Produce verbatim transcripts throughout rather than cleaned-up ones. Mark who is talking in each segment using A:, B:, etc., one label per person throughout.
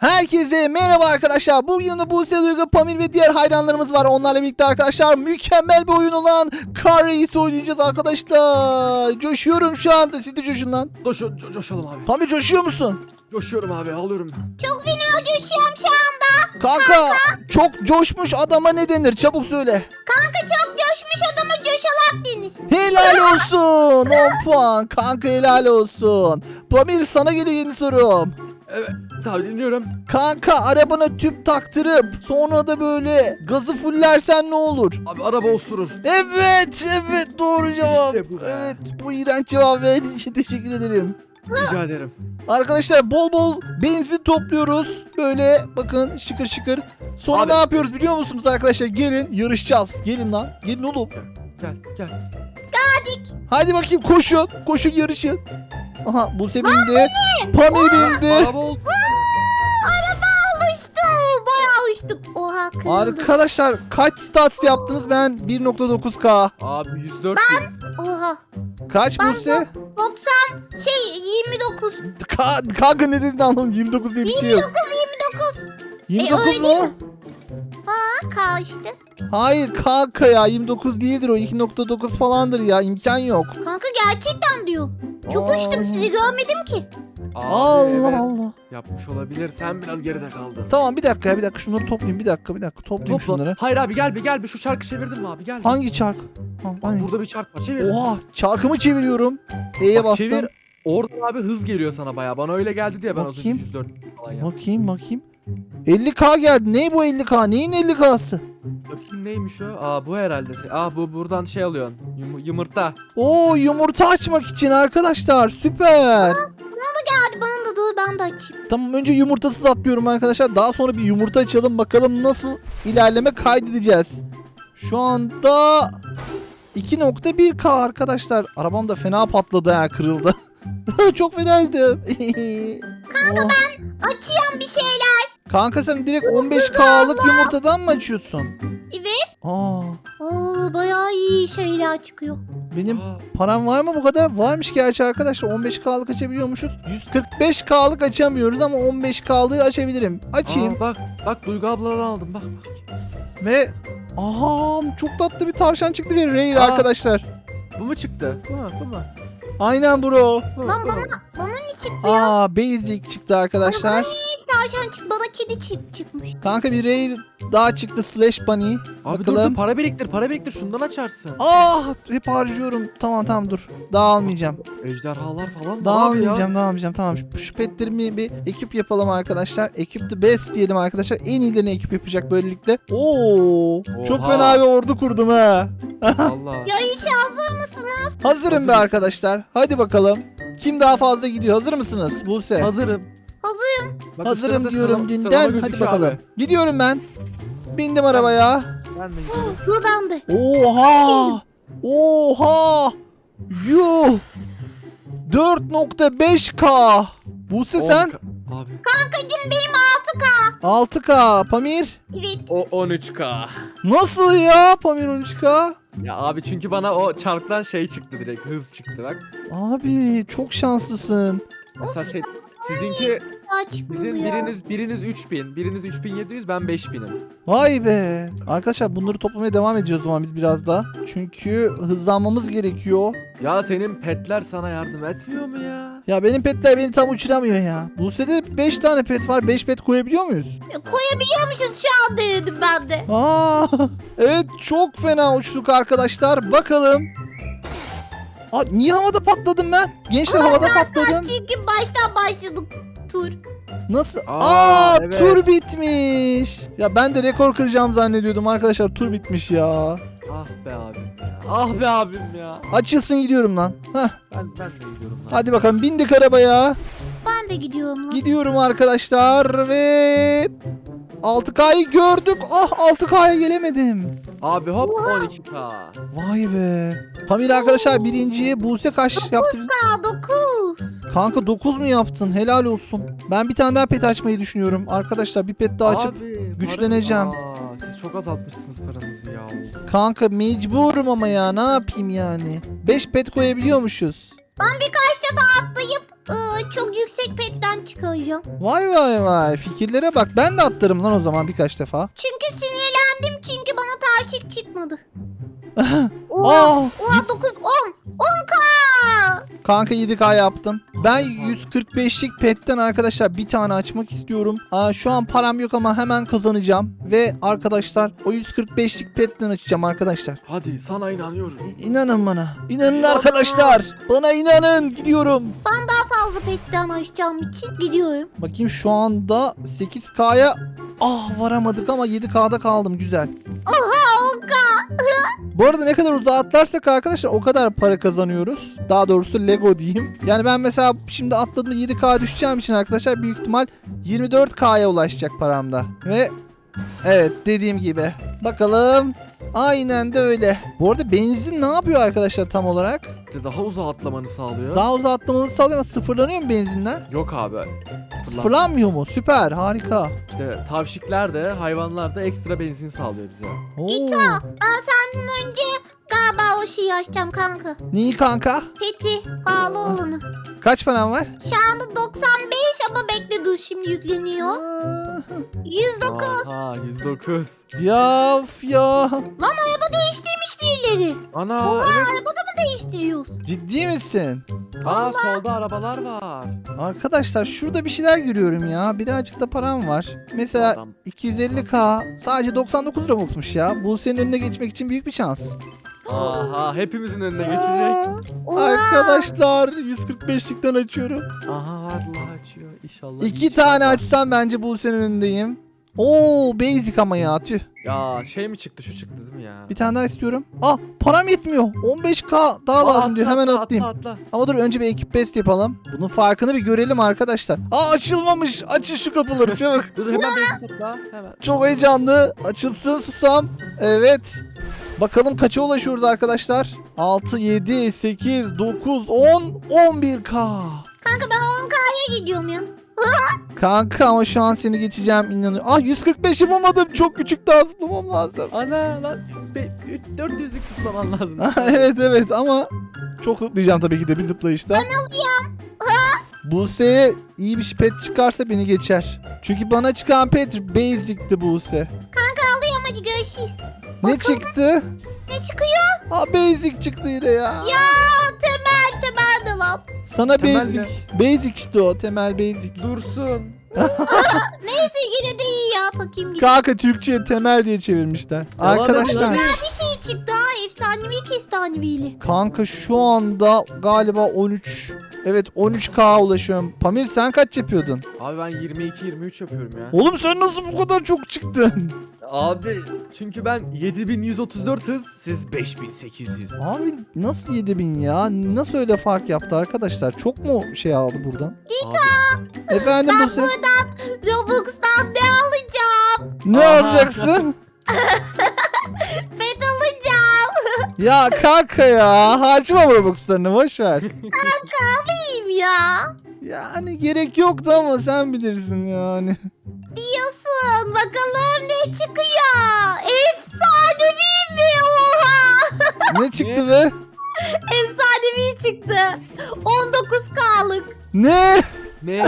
A: Herkese merhaba arkadaşlar. Bugün yanında Buse, Duygu, Pamir ve diğer hayranlarımız var. Onlarla birlikte arkadaşlar mükemmel bir oyun olan Car Race oynayacağız arkadaşlar. Coşuyorum şu anda. Siz de coşun lan.
B: Coş, co coşalım abi.
A: Pamir coşuyor musun?
B: Coşuyorum abi, alıyorum.
C: Çok fena coşuyorum şu anda.
A: Kanka çok coşmuş adama ne denir? Çabuk söyle.
C: Kanka çok coşmuş adama coşalak denir.
A: Helal olsun. on puan. Kanka helal olsun. Pamir sana geliyor yeni sorum.
B: Evet abi, dinliyorum.
A: Kanka arabana tüp taktırıp sonra da böyle gazı fullersen ne olur?
B: Abi araba osurur.
A: Evet, evet doğru cevap.
B: İşte bu be.
A: Evet, bu iğrenç cevap verdiğin için teşekkür ederim.
B: Rica ederim.
A: Arkadaşlar bol bol benzin topluyoruz. Böyle bakın şıkır şıkır. Sonra
B: Abi.
A: ne yapıyoruz biliyor musunuz arkadaşlar? Gelin yarışacağız. Gelin lan. Gelin oğlum.
B: Gel gel.
A: Hadi bakayım koşun. Koşun yarışın. Aha Buse bindi. Pamir bindi.
B: Araba oldu.
C: Araba uçtu. Bayağı uçtuk. Oha kırıldı.
A: Arkadaşlar kaç stats yaptınız? Ben bir nokta dokuz K.
B: Abi yüz dört bin.
C: Oha.
A: Kaç
C: Ben
A: Buse?
C: doksan şey yirmi dokuz.
A: Ka kanka ne dedin anlamadım. yirmi dokuz diye bir şey yok.
C: yirmi dokuz yirmi dokuz.
A: yirmi
C: E,
A: dokuz
C: öyle
A: mu?
C: Ha K işte.
A: Hayır kanka ya yirmi dokuz değildir o, iki nokta dokuz falandır ya, imkan yok.
C: Kanka gerçekten diyor. Çok
A: Aa.
C: uçtum sizi görmedim ki.
B: Abi,
A: Allah
B: evet,
A: Allah.
B: yapmış olabilir. Sen biraz geride kaldın.
A: Tamam bir dakika ya bir dakika şunları toplayayım bir dakika bir dakika toplayayım
B: Topla.
A: şunları.
B: Hayır abi, gel bir gel bir şu çarkı çevirdin mi abi, gel. bir.
A: Hangi çark? Ha, hani?
B: Burada bir çark var, çevir.
A: Oha çarkımı çeviriyorum. E'ye
B: Bak,
A: bastım.
B: çevir. Oradan abi hız geliyor sana bayağı. Bana öyle geldi diye ben az önce
A: Bakayım.
B: yüz dört falan yaptım.
A: Bakayım bakayım. elli K geldi. Ne bu elli K? Neyin elli K'sı?
B: Bakayım neymiş o? Aa bu herhalde. Aa bu buradan şey alıyorsun. Yum yumurta.
A: Oo yumurta açmak için arkadaşlar. Süper.
C: Hadi bana da dur ben de açayım.
A: Tamam önce yumurtasız atlıyorum arkadaşlar. Daha sonra bir yumurta açalım. Bakalım nasıl ilerleme kaydedeceğiz. Şu anda iki nokta bir K arkadaşlar. Arabam da fena patladı ha, kırıldı. Çok fenaydı.
C: Kanka
A: Oh.
C: ben açıyorum bir şeyler.
A: Kanka sen direkt on beş K'lık yumurtadan mı açıyorsun?
C: Evet.
A: Aa,
C: Oo bayağı iyi şeyler çıkıyor.
A: benim
B: Aa,
A: param var mı bu kadar? Varmış gerçi arkadaşlar. on beş K'lık açabiliyormuşuz. yüz kırk beş K'lık açamıyoruz ama on beş K'lığı açabilirim. Açayım.
B: aa, bak bak Duygu abladan aldım bak bak.
A: Ve aha çok tatlı bir tavşan çıktı ve Rare
B: Aa.
A: arkadaşlar.
B: Bu mu çıktı? Bu mu? Bu mu?
A: Aynen bro.
B: Bu mu?
C: Lan
B: Bu mu?
C: bana bana ne çıktı ya?
A: Aa basic çıktı
C: Bana
A: arkadaşlar.
C: niye hiç tavşan çıktı? Bana kedi çık çıkmış.
A: Kanka bir Rare daha çıktı slash bunny.
B: Abi dur
A: Bakalım.
B: dur, para biriktir para biriktir, şundan açarsın.
A: Ah hep harcıyorum. Tamam tamam dur. Daha almayacağım.
B: Ejderhalar falan mı
A: Daha
B: abi ya?
A: almayacağım, daha almayacağım. Tamam şu, şu petlerimi bir ekip yapalım arkadaşlar. Ekip the best diyelim arkadaşlar. En iyilerini ekip yapacak böylelikle. Oo! Çok
B: Oha.
A: fena bir ordu kurdum ha.
B: Allah.
C: Ya hiç hazır mısınız?
A: Hazırım be
B: Hazırız.
A: arkadaşlar. Hadi bakalım. Kim daha fazla gidiyor? Hazır mısınız? Buse.
B: Hazırım.
C: Hazırım.
B: Bak,
A: Hazırım
B: sırada
A: diyorum
B: sıralama-
A: dünden.
B: sıralama
A: Hadi
B: gözüküyor
A: bakalım.
B: abi.
A: Gidiyorum ben. Bindim arabaya.
B: Ben de gidiyorum.
C: Dur ben de.
A: Oha! Oha! Yuh! dört nokta beş K. Buse sen
B: on K. Abi.
C: Kankacım benim altı K.
A: altı K. Pamir
C: Evet.
B: O on üç K.
A: nasıl ya? Pamir on üç K.
B: Ya abi çünkü bana o çarktan şey çıktı, direkt hız çıktı bak.
A: Abi çok şanslısın.
B: Mesela se- sizinki
C: Daha çıkmadı
B: sizin
C: ya.
B: biriniz biriniz üç bin, biriniz üç bin yedi yüz, ben beş binim.
A: Vay be. Arkadaşlar bunları toplamaya devam edeceğiz o zaman biz biraz daha. Çünkü hızlanmamız gerekiyor.
B: Ya senin petler sana yardım etmiyor mu ya?
A: Ya benim petler beni tam uçuramıyor ya. Buse'de beş tane pet var. beş pet koyabiliyor muyuz?
C: Ya, koyabiliyormuşuz şu an dedim ben de.
A: Aa, evet çok fena uçtuk arkadaşlar. Bakalım. Aa, niye havada patladım ben? Gençler havada patladım.
C: Çünkü baştan başladık tur.
A: Nasıl?
B: Aa,
A: Aa,
B: evet.
A: tur bitmiş. Ya ben de rekor kıracağım zannediyordum arkadaşlar. Tur bitmiş ya.
B: Ah be abim ya. Ah be abim ya.
A: Açılsın gidiyorum lan. Heh,
B: Ben ben de gidiyorum lan.
A: hadi bakalım bindik arabaya.
C: Ben de gidiyorum lan.
A: Gidiyorum arkadaşlar ve altı K'yı gördük. Ah altı K'ya gelemedim.
B: Abi hop on iki K.
A: Vay be. Pamir arkadaşlar birinciye, Buse kaç yaptı?
C: Aa dokuz.
A: Kanka dokuz mu yaptın? Helal olsun. Ben bir tane daha pet açmayı düşünüyorum. Arkadaşlar bir pet daha açıp
B: Abi,
A: güçleneceğim.
B: para- Aa, siz çok azaltmışsınız paranızı ya.
A: kanka mecburum ama ya ne yapayım yani. beş pet koyabiliyormuşuz.
C: Ben birkaç defa atlayıp ıı, çok yüksek petten çıkacağım.
A: Vay vay vay. Fikirlere bak. Ben de atlarım lan o zaman birkaç defa.
C: Çünkü sinirlendim çünkü bana taşık çıkmadı.
A: Aa,
C: Oha, oha dokuz, on, on k.
A: kanka yedi K yaptım. Ben yüz kırk beşlik petten arkadaşlar bir tane açmak istiyorum. Aa, şu an param yok ama hemen kazanacağım. Ve arkadaşlar o yüz kırk beşlik petten açacağım arkadaşlar.
B: Hadi sana inanıyorum.
A: İ- İnanın bana. İnanın arkadaşlar. Bana inanın. Gidiyorum.
C: Ben daha fazla petten açacağım için gidiyorum.
A: Bakayım şu anda sekiz K'ya ah varamadık ama yedi K'da kaldım. Güzel.
C: Oha on k.
A: Bu arada ne kadar uzağa atlarsak arkadaşlar o kadar para kazanıyoruz. Daha doğrusu Lego diyeyim. Yani ben mesela şimdi atladığımda yedi K düşeceğim için arkadaşlar büyük ihtimal yirmi dört K'ya ulaşacak paramda. Ve evet dediğim gibi. Bakalım. Aynen de öyle. Bu arada benzin ne yapıyor arkadaşlar tam olarak?
B: İşte daha uzağa atlamanı sağlıyor.
A: Daha uzağa atlamanı sağlıyor ama sıfırlanıyor mu benzinler?
B: Yok abi.
A: Sıfırlanmıyor mu? Süper, harika.
B: İşte tavşikler de hayvanlar da ekstra benzin sağlıyor bize.
A: Oo.
C: İto, aa, senden önce galiba o şeyi açacağım kanka.
A: Neyi kanka?
C: Peti, pahalı olanı.
A: Kaç param var?
C: Şu anda doksan beş ama bekle dur şimdi yükleniyor.
A: Aa,
C: yüz dokuz.
B: Aha yüz dokuz.
A: ya of ya.
C: Lan araba değiştirmiş birileri.
B: Ana
C: Oha
B: evet.
C: araba da mı değiştiriyoruz?
A: Ciddi misin?
B: Aa solda arabalar var.
A: Arkadaşlar şurada bir şeyler görüyorum ya. Birazcık da param var. Mesela
B: Adam.
A: iki yüz elli K sadece doksan dokuz Robux'muş ya. Bu senin önüne geçmek için büyük bir şans.
B: Aha hepimizin önüne geçecek.
A: Aa,
C: Oha.
A: arkadaşlar yüz kırk beşlikten açıyorum.
B: Aha Allah açıyor inşallah.
A: İki
B: iyi
A: tane
B: çıkar.
A: açsam bence bu senin önündeyim. Oo basic ama ya tüh.
B: Ya şey mi çıktı şu çıktı değil mi ya?
A: Bir tane daha istiyorum. Ah param yetmiyor. on beş K daha
B: Aa,
A: lazım diyor.
B: atla,
A: Hemen
B: atla,
A: atlayayım.
B: Atla, atla.
A: Ama dur önce bir ekip best yapalım. Bunun farkını bir görelim arkadaşlar. Aa açılmamış. Açın şu kapıları çabuk.
B: Dur hemen beni topla hemen.
A: Çok heyecanlı. Açılsın susam. Evet. Bakalım kaça ulaşıyoruz arkadaşlar. altı, yedi, sekiz, dokuz, on, on bir K.
C: Kanka ben on k'ya gidiyorum ya.
A: Kanka ama şu an seni geçeceğim inanıyorum. Ah yüz kırk beş yapamadım. Çok küçük daha zıplamam lazım.
B: Ana lan dört yüzlük zıplaman lazım.
A: evet evet ama çok zıplayacağım tabii ki de bir zıplayışta. Ben alayım. Buse'ye iyi bir pet çıkarsa beni geçer. Çünkü bana çıkan pet basic'ti Buse.
C: Kanka alıyorum hadi görüşürüz.
A: Ne çıktı?
C: Ne çıkıyor?
A: Ha basic çıktı yine ya.
C: Ya temel temel de lan.
A: Sana
B: Temel
A: basic. Basic işte o temel basic.
B: Dursun.
C: Neyse yine de iyi ya takayım gibi.
A: Kanka Türkçe'ye temel diye çevirmişler.
B: Devam
A: Arkadaşlar.
B: edelim.
C: Bir şey çıktı ha efsanevi kestanevili.
A: Kanka şu anda galiba on üç. Evet on üç K ulaşıyorum. Pamir sen kaç yapıyordun?
B: Abi ben yirmi iki yirmi üç yapıyorum ya.
A: Oğlum sen nasıl bu kadar çok çıktın?
B: Abi çünkü ben yedi bin yüz otuz dört hız, siz beş bin sekiz yüz.
A: Abi nasıl yedi bin ya? Nasıl öyle fark yaptı arkadaşlar? Çok mu şey aldı buradan?
B: Abi,
A: Efendim bu sen
C: Robux'tan ne alacağım?
A: ne
B: Aha.
A: alacaksın?
C: Pet alacağım.
A: Ya kanka ya harcama Robux'larını boş ver.
C: Alayım ya.
A: Yani gerek yoktu ama sen bilirsin yani.
C: Diyorsun bakalım ne çıkıyor? Efsanevi mi? Oha.
A: Ne çıktı be?
C: Efsanevi çıktı. on dokuz k'lık.
A: Ne?
B: ne?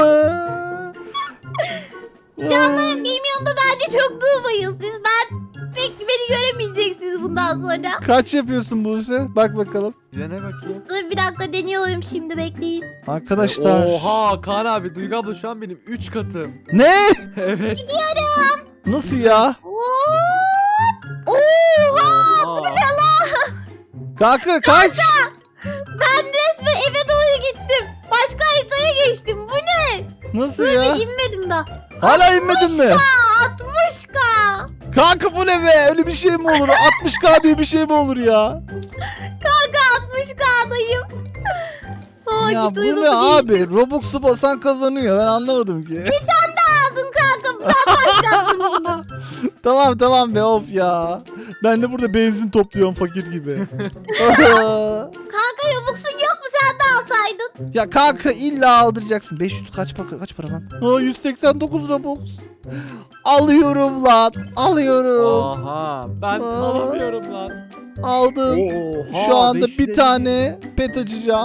C: Canlarım bilmiyorum da bence çok durmayın siz. Ben pek beni göremeyeceksiniz bundan sonra.
A: Kaç yapıyorsun Buse? Bak bakalım.
B: Bir de ne bakayım?
C: Dur bir dakika deniyorum şimdi bekleyin.
A: Arkadaşlar.
B: Oha Kaan abi Duygu abla şu an benim üç katım.
A: Ne?
B: Evet.
A: Nasıl ya?
C: Oo! Oha!
B: Oha.
A: Kanka kaç?
C: Ben resmen eve doğru gittim. Başka haritaya geçtim. Bu ne?
A: Nasıl
C: Dur
A: ya?
C: bir inmedim daha.
A: Hala inmedin mi?
C: altmış k.
A: Kanka bu ne be? Öyle bir şey mi olur? altmış K diye bir şey mi olur ya?
C: Kanka altmış k'dayım. Aa,
A: Ya
C: git
A: bu
C: uyudu
A: ne
C: bu
A: abi? Robux'u basan kazanıyor. Ben anlamadım ki.
C: aldın kanka. Sen başlattın bunu.
A: Tamam tamam be of ya. Ben de burada benzin topluyorum fakir gibi.
C: Kanka Robux'un yok mu? Sen de alsaydın.
A: Ya kanka illa aldıracaksın. beş yüz kaç para kaç para lan? Aa, yüz seksen dokuz Robux. Alıyorum lan. Alıyorum.
B: Aha ben
A: Aa.
B: alamıyorum lan.
A: Aldım.
B: Oha,
A: Şu anda
B: beş yüz
A: bir
B: elli.
A: tane pet açacağım.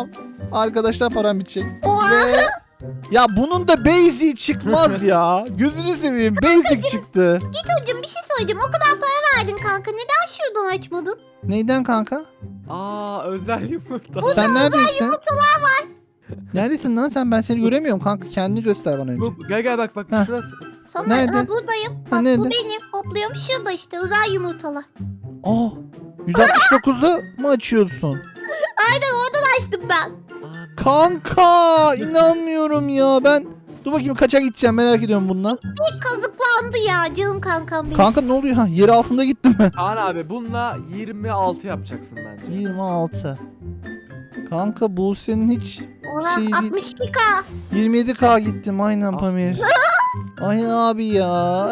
A: Arkadaşlar param bitecek.
C: Oha.
A: Ve... Ya bunun da basic çıkmaz ya. Gözünü seveyim. Basic çıktı.
C: Gito'cum bir şey söyleyeceğim. O kadar para verdin kanka. Neden şuradan açmadın?
A: Neyden kanka?
B: Aa özel yumurta.
A: Sen neredesin? Neredesin lan sen? Ben seni göremiyorum kanka. Kendini göster bana önce.
B: Bu, gel gel bak bak
A: Heh.
B: şurası.
C: Sana
A: Nerede?
C: Ha, buradayım.
A: Ha,
C: Bak
A: nerede?
C: bu benim. Hopluyorum şurada işte. Özel yumurtalar.
A: Aa, yüz altmış dokuzu mu açıyorsun?
C: Aynen oradan açtım ben.
B: Ana.
A: Kanka inanmıyorum ya. Ben dur bakayım kaça gideceğim merak ediyorum bundan.
C: Bir kazıklandı ya canım kankam benim.
A: Kanka ne oluyor? Ha, yer altında gittim ben.
B: Kaan abi bununla yirmi altı yapacaksın bence.
A: yirmi altı. Kanka bu senin hiç
C: Ona
A: şey-
C: altmış iki K.
A: yirmi yedi K gittim aynen
B: Ah.
A: Pamir. Ay abi ya.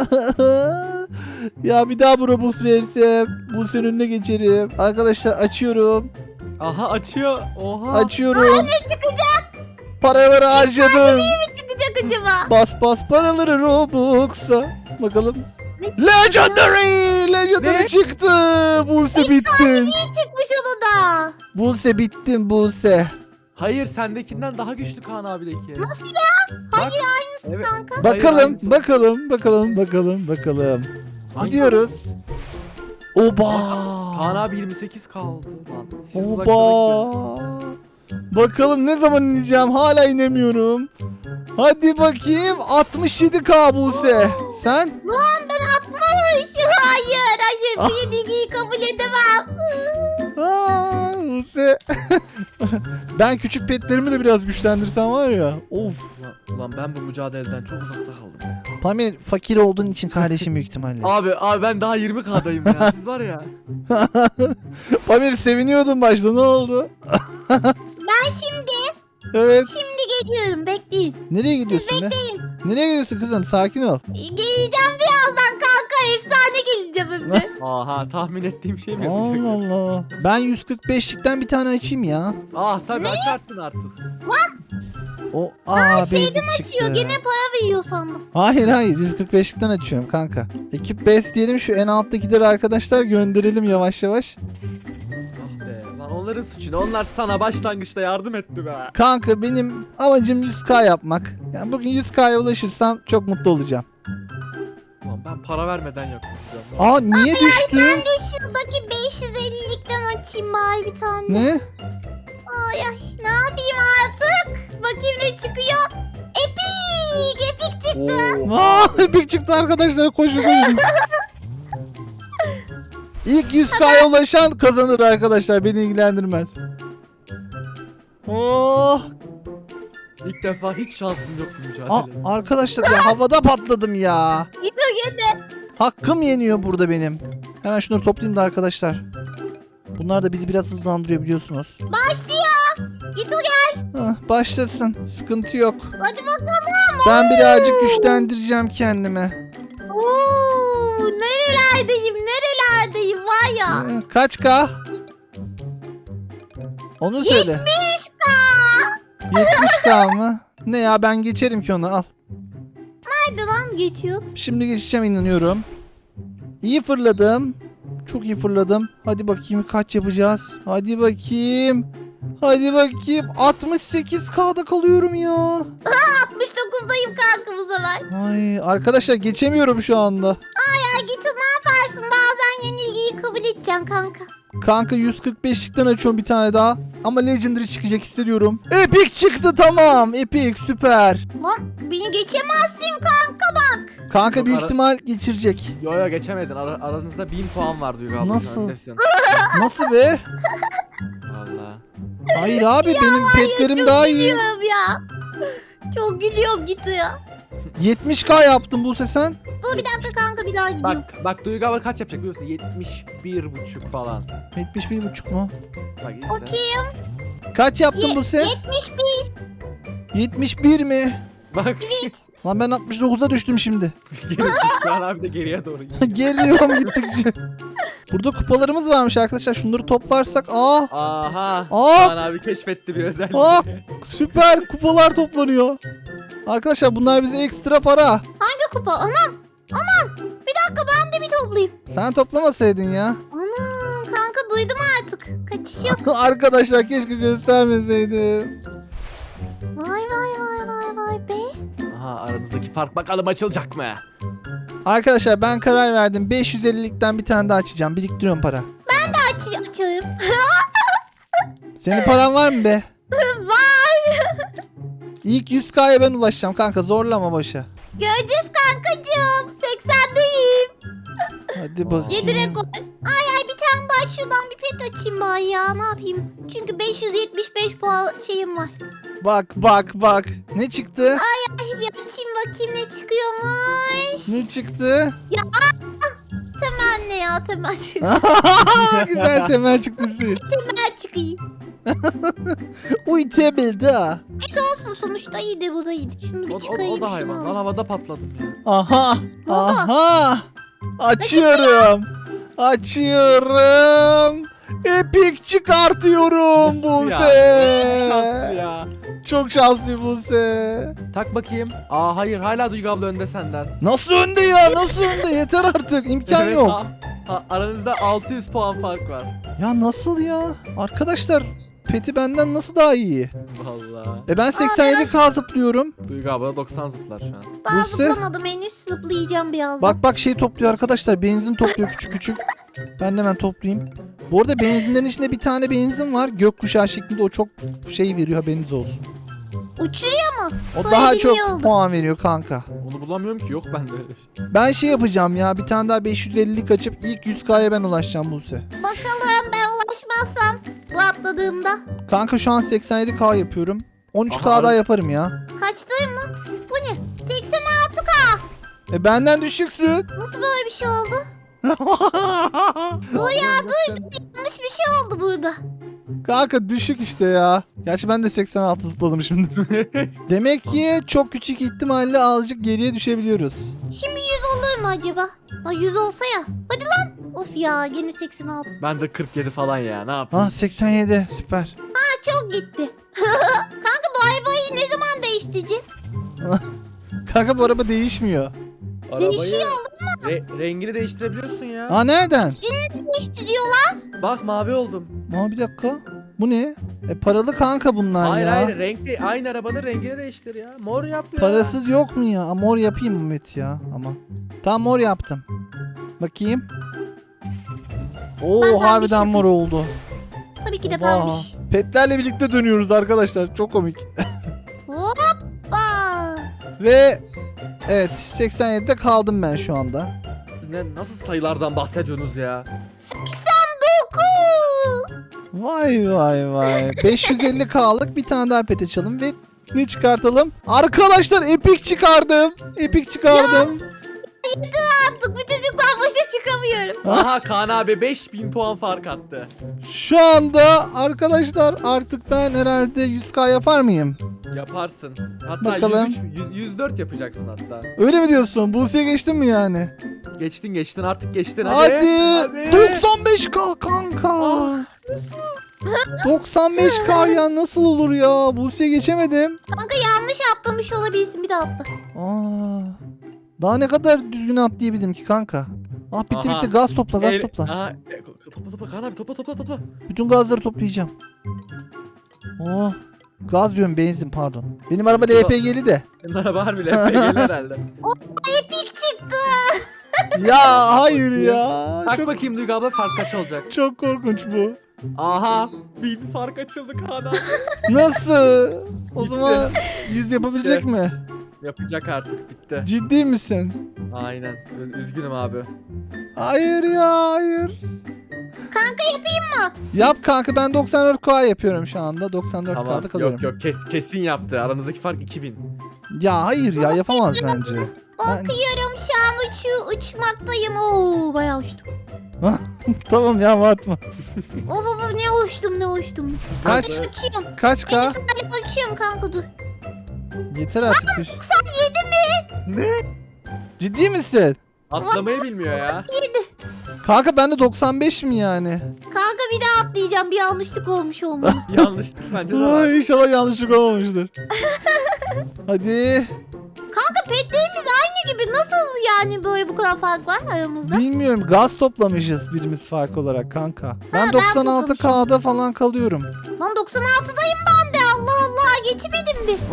A: Ya bir daha bu Robux versem bu senin önüne geçerim. Arkadaşlar açıyorum.
B: Aha açıyor. Oha.
A: Açıyorum.
C: Ne çıkacak?
A: Paraları harcadım.
C: Ne çıkacak acaba?
A: Bas bas paraları Robux'a. Bakalım.
C: Ne?
A: Legendary! Legendary
B: Ne?
A: çıktı. Buse bittin.
C: Ne çıkmış onu da?
A: Buse bittin Buse.
B: Hayır sendekinden daha güçlü Kaan abideki.
C: Nasıl ya? Hayır
B: Bak.
C: aynısı
B: Evet.
C: kanka.
B: Hayır,
A: Bakalım,
B: aynısı.
A: bakalım, bakalım, bakalım, bakalım.
B: Hangisi?
A: Gidiyoruz. Oba!
B: Kaan abi yirmi sekiz K oldu lan. Siz uzaklara gidiyorsunuz.
A: Oba! Bakalım ne zaman ineceğim? Hala inemiyorum. Hadi bakayım. altmış yedi K Buse. Sen?
C: Lan ben atmamışım. Hayır hayır.
A: Ah.
C: Bu yenilgiyi kabul edemem.
A: Aa, Buse. Ben küçük petlerimi de biraz güçlendirsem var ya. Of.
B: Ulan, ulan ben bu mücadeleden çok uzakta kaldım ya.
A: Pamir fakir olduğun için kardeşim büyük ihtimalle.
B: Abi abi ben daha yirmi K'dayım ya. Siz var ya.
A: Pamir seviniyordun başta ne oldu?
C: Ben şimdi
A: Evet.
C: şimdi geliyorum. Bekleyin.
A: Nereye gidiyorsun be? Nereye gidiyorsun kızım? Sakin ol.
C: Geleceğim birazdan kanka. Efsane geleceğim hem de.
B: Aha tahmin ettiğim şey mi
A: Allah
B: yapacak?
A: Allah. Ben yüz kırk beşlikten bir tane açayım ya.
B: Ah tabii açarsın artık.
A: O aa basic çıktı.
C: Açıyor. Gene para veriyor sandım.
A: Hayır hayır yüz kırk beşlikten açıyorum kanka. Ekip best diyelim şu en alttakileri arkadaşlar gönderelim yavaş yavaş.
B: Ah be. Lan onların suçu ne? Onlar sana başlangıçta yardım etti be.
A: Kanka benim amacım yüz K yapmak. Yani bugün yüz K'ya ulaşırsam çok mutlu olacağım.
B: Lan ben para vermeden yapacağım.
A: Aa niye düştüm?
C: Ben de şuradaki beş yüz ellilikten açayım bari bir tane.
A: Ne?
C: Ay ay ne yapayım artık? Bakayım ne çıkıyor. Epik! Epik çıktı.
B: Oo.
A: Aa epik çıktı arkadaşlar koşun koşun. İlk yüz K'ya ulaşan kazanır arkadaşlar beni ilgilendirmez. Oh.
B: İlk defa hiç şansım yok bu mücadelede.
A: Aa, arkadaşlar ya havada patladım ya.
C: Git o gene.
A: Hakkım yeniyor burada benim. Hemen şunları toplayayım da arkadaşlar. Bunlar da bizi biraz hızlandırıyor biliyorsunuz.
C: Başlıyor. Git o gel.
A: Hah, başlasın. Sıkıntı yok.
C: Hadi bakalım.
A: Ben birazcık güçlendireceğim kendime.
C: Oo, nerelerdeyim nerelerdeyim var ya.
A: Ee, Kaç K? Onu söyle.
C: yetmiş K.
A: yetmiş K mı? Ne ya ben geçerim ki onu al.
C: Nerede lan geçiyor?
A: Şimdi geçeceğim inanıyorum. İyi fırladım. Çok iyi fırladım. Hadi bakayım kaç yapacağız. Hadi bakayım. Hadi bakayım. altmış sekiz K'da kalıyorum ya.
C: altmış dokuzdayım kanka bu sefer.
A: Ay arkadaşlar geçemiyorum şu anda.
C: Ya git ne yaparsın bazen yenilgiyi kabul edeceksin kanka.
A: Kanka yüz kırk beşlikten açıyorum bir tane daha. Ama Legendary çıkacak hissediyorum. Epic çıktı tamam. Epic süper.
C: Lan beni geçemezsin kanka bak.
A: Kanka
B: Yok,
A: büyük
B: ara-
A: ihtimal geçirecek.
B: Yo yo geçemedin. Ara- aranızda bin puan var Duygu abla.
A: Nasıl?
B: Öndesin.
A: Nasıl be?
B: Valla.
A: Hayır abi benim petlerim
C: Çok
A: daha iyi.
C: gülüyorum ya. Çok gülüyorum git ya.
A: yetmiş K yaptım bu sen.
C: Dur bir dakika kanka bir daha gidiyorum.
B: Bak bak Duygu abla kaç yapacak biliyor musun? yetmiş bir buçuk falan.
A: yetmiş bir buçuk mu?
B: Bak izle.
C: Bakayım.
A: Kaç yaptın
C: Ye-
A: bu sen?
C: yetmiş bir.
A: yetmiş bir mi?
B: Bak.
A: Lan ben altmış dokuza düştüm şimdi.
B: Geri Kaan abi de geriye doğru gidiyor.
A: Geliyorum gittikçe. Burada kupalarımız varmış arkadaşlar. Şunları toplarsak. Aa,
B: Aha.
A: Aa!
B: Kaan abi keşfetti bir özellik.
A: Aa! süper kupalar toplanıyor. Arkadaşlar bunlar bize ekstra para.
C: Hangi kupa? Anam. Anam. Bir dakika ben de bir toplayayım.
A: Sen toplamasaydın ya.
C: Anam kanka duydum artık. Kaç şey yok.
A: Arkadaşlar keşke göstermeseydim.
C: Vay vay vay vay vay be.
B: Aha, aranızdaki fark bakalım açılacak mı?
A: Arkadaşlar ben karar verdim. beş yüz ellilikten bir tane daha açacağım. Biriktiriyorum para.
C: Aç, açayım.
A: Senin paran var mı be?
C: Var.
A: İlk yüz K'ya ben ulaşacağım kanka. Zorlama başa.
C: Göreceğiz kankacığım. seksendeyim.
A: Hadi bakayım.
C: yedi rekor. Ay ay bir tane daha şuradan bir pet açayım bari ya. Ne yapayım? Çünkü beş yüz yetmiş beş puan şeyim var.
A: Bak bak bak. Ne çıktı?
C: Ay bir açayım bakayım ne çıkıyormuş.
A: Ne çıktı?
C: Temel ne ya temel çıktı.
A: Güzel temel çıktı siz.
C: Temel çıkayım.
A: Uy temel da.
C: Olsun sonuçta iyiydi bu da iyiydi. Şunu bir
B: O, o,
C: çıkayım.
B: o da
C: şunu
B: hayvan.
C: alayım.
B: Lan havada patladım ya.
A: Aha.
C: Ne oldu?
A: Aha. Açıyorum. Açıyorum. Epic çıkartıyorum
B: Nasıl ya? Şanslı
A: Buse.
B: ya.
A: Çok şanslı Buse.
B: Tak bakayım. Aa hayır, hala Duygu abla önde senden.
A: Nasıl önde ya? Nasıl önde? Yeter artık. İmkan
B: Evet,
A: yok.
B: ha- ha, aranızda altı yüz puan fark var.
A: Ya nasıl ya? Arkadaşlar Peti benden nasıl daha iyi?
B: Vallahi.
A: E ben seksen yedi K zıplıyorum.
B: Duygu abla doksan zıplar şu an.
C: Daha
A: Buse.
C: zıplamadım henüz zıplayacağım birazdan.
A: Bak bak şey topluyor arkadaşlar. Benzin topluyor küçük küçük. Ben de hemen toplayayım. Bu arada benzinlerin içinde bir tane benzin var. Gökkuşağı şeklinde, o çok şey veriyor, haberiniz olsun.
C: Uçuruyor mu?
A: O
C: Söylediğin
A: daha
C: iyi
A: çok
C: oldu.
A: puan veriyor kanka.
B: Onu bulamıyorum ki, yok bende öyle bir şey.
A: Ben şey yapacağım ya, bir tane daha beş yüz ellilik açıp ilk yüz K'ya ben ulaşacağım Buse.
C: Bakalım ben ulaşmazsam bu atladığımda.
A: Kanka şu an seksen yedi K yapıyorum. on üç K
B: Aha,
A: daha
B: ar-
A: yaparım ya.
C: Kaçtayım lan? Bu ne? seksen altı K.
A: E benden düşüksün.
C: Nasıl böyle bir şey oldu? Bu ya duydum. Yanlış bir şey oldu burada.
A: Kanka düşük işte ya. Gerçi ben de seksen altı zıpladım şimdi. Demek ki çok küçük ihtimalle azıcık geriye düşebiliyoruz.
C: Şimdi yüz olur mu acaba? Ha yüz olsa ya. Hadi lan. Of ya gene seksen altı.
B: Ben de kırk yedi falan ya, ne yapayım?
A: Ah seksen yedi süper.
C: Ha çok gitti. Kanka bu arabayı ne zaman değiştireceğiz?
A: Kanka bu araba değişmiyor.
C: Değişiyor
B: Re- rengini değiştirebiliyorsun ya.
A: Aa nereden?
C: Değiştiriyorlar.
B: Bak mavi oldum.
A: Aa bir dakika. Bu ne? E paralı kanka bunlar
B: Hayır
A: ya.
B: hayır, renk de- aynı arabanın rengini değiştir ya. Mor yap ya.
A: Parasız yok mu ya? Aa, mor yapayım mı Met ya ama. Tamam mor yaptım. Bakayım. Oo
C: Ben pembiş
A: harbiden
C: yapayım.
A: mor oldu.
C: Tabii ki de
A: Oha.
C: pembiş.
A: Petlerle birlikte dönüyoruz arkadaşlar. Çok komik.
C: Hoppa.
A: Ve evet seksen yedide kaldım ben şu anda.
B: Siz ne, nasıl sayılardan bahsediyorsunuz ya?
C: seksen dokuz.
A: Vay vay vay. beş yüz elli K'lık bir tane daha pet açalım ve ne çıkartalım? Arkadaşlar Epic çıkardım. Epic çıkardım.
C: Artık bu çocuklar başa çıkamıyorum.
B: Aha, Kaan abi beş bin puan fark attı.
A: Şu anda arkadaşlar artık ben herhalde yüz K yapar mıyım?
B: Yaparsın. Hatta
A: Bakalım.
B: yüz üç, yüz, yüz dört yapacaksın hatta.
A: Öyle mi diyorsun? Buse'ye geçtin mi yani?
B: Geçtin geçtin artık geçtin hadi.
A: Hadi.
B: Hadi.
A: doksan beş K kanka. doksan beş K ya nasıl olur ya? Buse'ye geçemedim.
C: Kanka yanlış atlamış olabilirsin bir daha atla.
A: Aa. Daha ne kadar düzgün atlayabildim ki kanka? Ah bitti
B: Aha.
A: bitti, gaz topla gaz
B: El-
A: topla.
B: Aha, e, topla topla Kaan abi, topla topla topla.
A: Bütün gazları toplayacağım. Oh. Gaz diyorum, benzin pardon. Benim araba L P G'li de.
B: Senin araba harbi L P G'li herhalde.
C: Epik çıktı.
A: Ya hayır ya.
B: Bak
A: Çok,
B: bakayım Duygu abla, fark kaç olacak?
A: çok korkunç bu.
B: Aha, bin fark açıldı Kaan abi.
A: Nasıl? O
B: Bitti.
A: zaman yüz yapabilecek
B: Bitti.
A: mi?
B: Yapacak artık, bitti.
A: Ciddi misin?
B: Aynen, Ü- üzgünüm abi.
A: Hayır ya hayır.
C: Kanka yapayım mı?
A: Yap kanka, ben doksan dört K yapıyorum şu anda. doksan dört K'da
B: Tamam,
A: kalıyorum.
B: yok yok, kes, kesin yaptı. Aranızdaki fark iki bin.
A: Ya hayır ya, yapamaz bence.
C: Bakıyorum şu an uçu uçmaktayım. Oo bayağı uçtum.
A: Tamam ya atma.
C: Of of of, ne uçtum ne uçtum.
A: Kaç?
C: Kanka uçuyorum.
A: Kaç K?
C: En güzel uçuyorum kanka dur.
A: Yeter artık. düş.
C: doksan yedi mi?
B: Ne?
A: Ciddi misin?
B: Atlamayı bilmiyor ya.
C: yedi.
A: Kanka bende doksan beş mi yani?
C: Kanka bir daha atlayacağım. Bir yanlışlık olmuş olmalı.
B: Yanlışlık bence de var.
A: Ay, inşallah yanlışlık olmamıştır. Hadi.
C: Kanka petlerimiz aynı gibi. Nasıl yani böyle bu kadar fark var aramızda?
A: Bilmiyorum, gaz toplamışız birimiz fark olarak kanka. Ben
C: ben
A: doksan altı
C: toplamışım.
A: K'da falan kalıyorum.
C: Lan doksan altıdayım ben de. Allah Allah, geçemedim bir.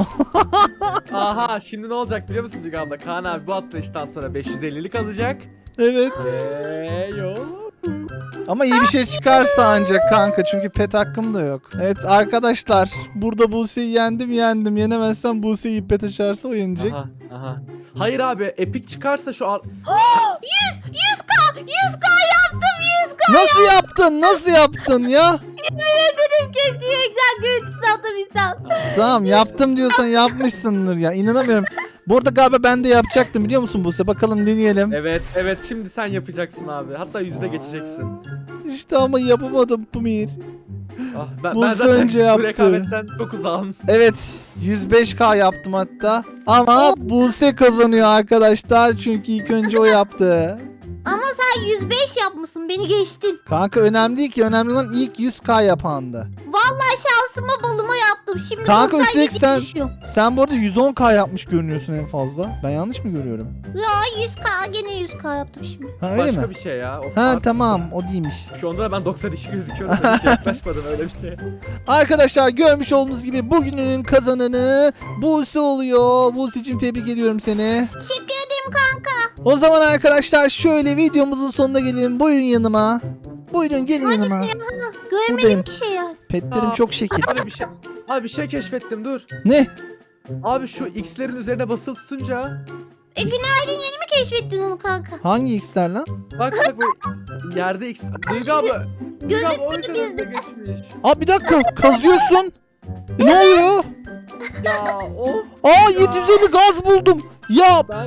B: Aha şimdi ne olacak biliyor musun Duygu abla? Kaan abi bu atlayıştan sonra beş yüz ellilik alacak.
A: Evet.
B: Eee yo.
A: Ama iyi bir şey çıkarsa ancak kanka, çünkü pet hakkım da yok. Evet arkadaşlar, burada Buse'yi yendim yendim. Yenemezsem Buse'yi pet açarsa o yenecek.
B: Aha, aha. Hayır abi epik çıkarsa şu an...
C: yüz, yüz K, yüz K yaptım, yüz K.
A: Nasıl yaptın? Nasıl yaptın ya?
C: Dedim keşke ekran görüntüsünü atabilsem.
A: Tamam, yaptım diyorsan yapmışsındır ya. İnanamıyorum. Burada galiba ben de yapacaktım, biliyor musun Buse? Bakalım deneyelim.
B: Evet evet şimdi sen yapacaksın abi. Hatta yüzde geçeceksin.
A: İşte ama yapamadım Pamir.
B: Ah, ben,
A: Buse
B: ben zaten
A: önce
B: bu
A: yaptı.
B: rekabetten çok uzağım.
A: Evet, yüz beş K yaptım hatta. Ama Buse kazanıyor arkadaşlar, çünkü ilk önce o yaptı.
C: Ama sen yüz beş yapmışsın, beni geçtin.
A: Kanka önemli değil ki, önemli olan ilk yüz K yapandı.
C: Vallahi şansıma balıma yaptım. Şimdi
A: Kanka,
C: doksan yedi
A: üstelik sen-
C: düşüyorum.
A: Sen bu arada yüz on K yapmış görünüyorsun en fazla. Ben yanlış mı görüyorum?
C: Ya yüz K, gene yüz K yaptım şimdi.
A: Ha öyle
B: Başka
A: mi?
B: bir şey ya. Of,
A: Ha
B: artist.
A: tamam, o değilmiş.
B: Şu anda da ben doksan iki gözüküyorum. Ben hiç yaklaşmadım öyle bir şeye.
A: Arkadaşlar görmüş olduğunuz gibi bugünün kazananı Buse oluyor. Buse'cim tebrik ediyorum seni.
C: Teşekkür ederim kanka.
A: O zaman arkadaşlar şöyle videomuzun sonuna gelelim. Buyurun yanıma. Buyurun gelin yanıma.
C: Göremedim
A: Buradayım.
C: ki şey ya.
A: Petlerim
B: Aa.
A: çok şekil.
B: Abi bir şey... Abi bir şey keşfettim dur.
A: Ne?
B: Abi şu X'lerin üzerine basılı tutunca...
C: E günaydın, yeni mi keşfettin onu kanka?
A: Hangi X'ler lan?
B: Bak bak bu yerde X... Duygu abla... Duygu abla o yüzden
C: Gözükmedi
B: önüne geçmiş.
A: Aa bir dakika, kazıyorsun. E, ne oluyor?
B: Ya of
A: Aa yedi yüz elli gaz buldum. Ya
B: ben...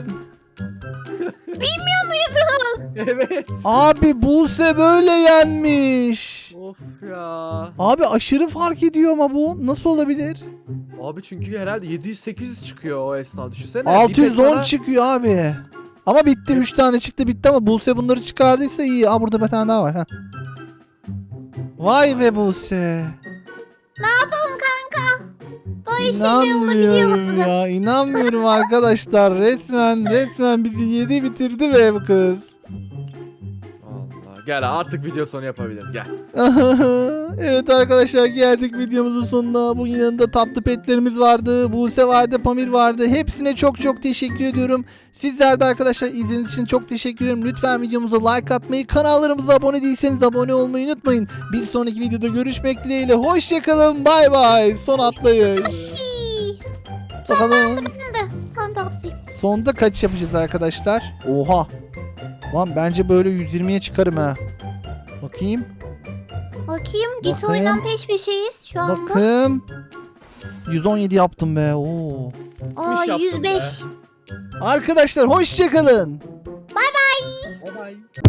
C: Bilmiyor muydun?
B: Evet.
A: abi Buse böyle yenmiş.
B: Of ya.
A: Abi aşırı fark ediyor ama bu nasıl olabilir?
B: Abi çünkü herhalde yedi yüz sekiz yüz çıkıyor o esnada düşünsene.
A: altı yüz
B: Bir
A: on
B: de sana-
A: çıkıyor abi. Ama bitti, üç tane çıktı bitti, ama Buse bunları çıkardıysa iyi. Aa burada bir tane daha var. Ha. Vay be Buse.
C: Ne yapalım kanka? Böyle şeyler olabiliyor
A: İnanmıyorum
C: bazen.
A: ya, inanmıyorum arkadaşlar. Resmen resmen bizi yedi bitirdi be bu kız.
B: Allah gel artık video sonu yapabiliriz gel.
A: Evet arkadaşlar, geldik videomuzun sonuna. Bugün yanında tatlı petlerimiz vardı. Buse vardı, Pamir vardı. Hepsine çok çok teşekkür ediyorum. Sizler de arkadaşlar izlediğiniz için çok teşekkür ederim. Lütfen videomuza like atmayı, kanallarımıza abone değilseniz abone olmayı unutmayın. Bir sonraki videoda görüşmek dileğiyle. Hoşçakalın, bay bay. Son atlayış.
C: İyi.
A: Bakalım.
C: Ben de. Ben de atlayayım.
A: Sonda kaç yapacağız arkadaşlar? Oha. Lan bence böyle yüz yirmiye çıkarım ha. Bakayım.
C: Bakayım, git
A: Bakayım.
C: oynan peş peşeyiz şu anda.
A: Bakın. yüz on yedi yaptım be. Oo.
C: Aa
B: yaptım
C: yüz beş.
B: be.
A: Arkadaşlar hoşçakalın.
B: Bye bye.